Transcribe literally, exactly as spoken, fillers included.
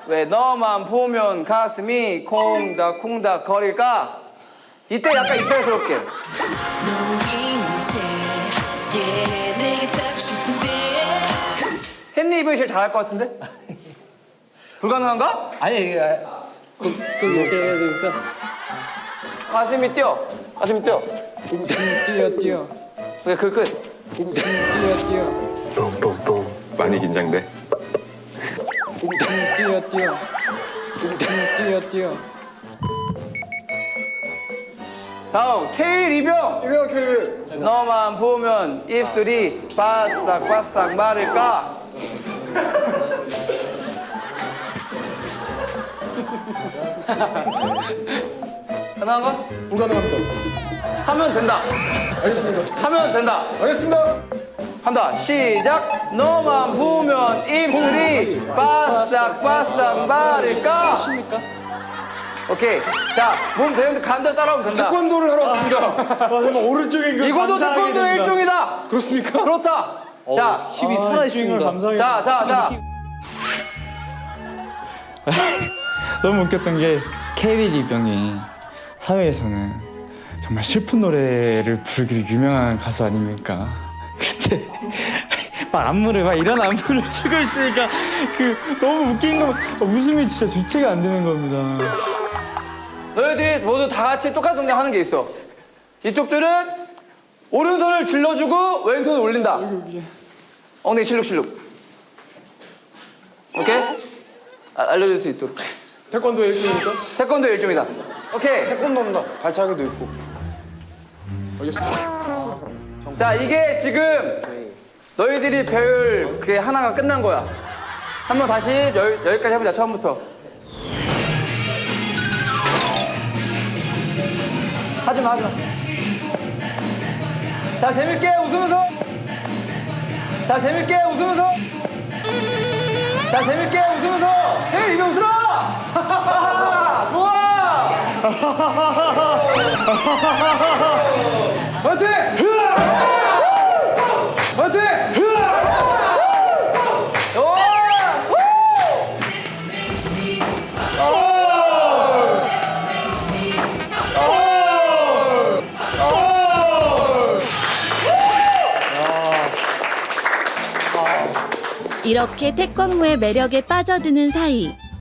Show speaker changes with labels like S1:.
S1: 왜 너만 보면 가슴이 콩닥콩닥 거릴까? 이때 약간 이탈스럽게. 헨리 이브이 제일 잘할 것 같은데? 불가능한가?
S2: 아니 이게 그, 그 이렇게 해야 되니까.
S1: 가슴이 뛰어. 가슴이 뛰어.
S2: 웃음이 뛰어 뛰어.
S1: 그게 그 끝.
S2: 웃음이 뛰어 뛰어.
S3: 똥똥똥. 많이 긴장돼.
S2: 웃음이 뛰어 뛰어. 웃음이 뛰어 뛰어.
S1: 다음 K 리병.
S2: 이병 케이윌.
S1: 너만 보면 입술이 바싹바싹 마를까? 가능한가?
S2: 불가능합니다.
S1: 하면 된다.
S2: 알겠습니다.
S1: 하면 된다.
S2: 알겠습니다.
S1: 한다. 시작. 너만 보면 입술이 바싹바싹 마를까?
S2: 십니까?
S1: 오케이. 자, 몸 되는데 간다 따라오면 된다.
S2: 태권도를 하러 왔습니다.
S4: 맞아, 오른쪽에 그
S1: 이거도
S4: 감사하게
S1: 태권도의
S4: 된다.
S1: 일종이다.
S2: 그렇습니까?
S1: 그렇다. 자,
S2: 힘이
S4: 아,
S2: 살아
S4: 주인공을
S2: 있습니다.
S4: 감사하게
S1: 자, 자, 자.
S4: 너무 웃겼던 게 케이윌 이병이 사회에서는 정말 슬픈 노래를 부르기로 유명한 가수 아닙니까? 그때 막 안무를 막 이런 안무를 추고 있으니까 그 너무 웃긴 거 웃음이 진짜 주체가 안 되는 겁니다.
S1: 너희들이 모두 다 같이 똑같은 동작 하는 게 있어. 이쪽 줄은 오른손을 질러주고 왼손을 올린다. 엉덩이 실룩실룩. 오케이? 아, 알려줄 수 있도록.
S2: 태권도 일종입니까?
S1: 태권도 일종이다. 오케이.
S2: 태권도입니다. 발차기도 있고. 알겠습니다.
S1: 자, 이게 지금 너희들이 배울 그게 하나가 끝난 거야. 한번 다시 여, 여기까지 해보자, 처음부터. 하지마, 하지마. 자, 재밌게 웃으면서. 자, 재밌게 웃으면서. 자, 재밌게 웃으면서. 헤이, 이거 웃으라! 좋아!
S2: 화이팅! 화이팅!
S5: 이렇게 태권무의 매력에 빠져드는 사이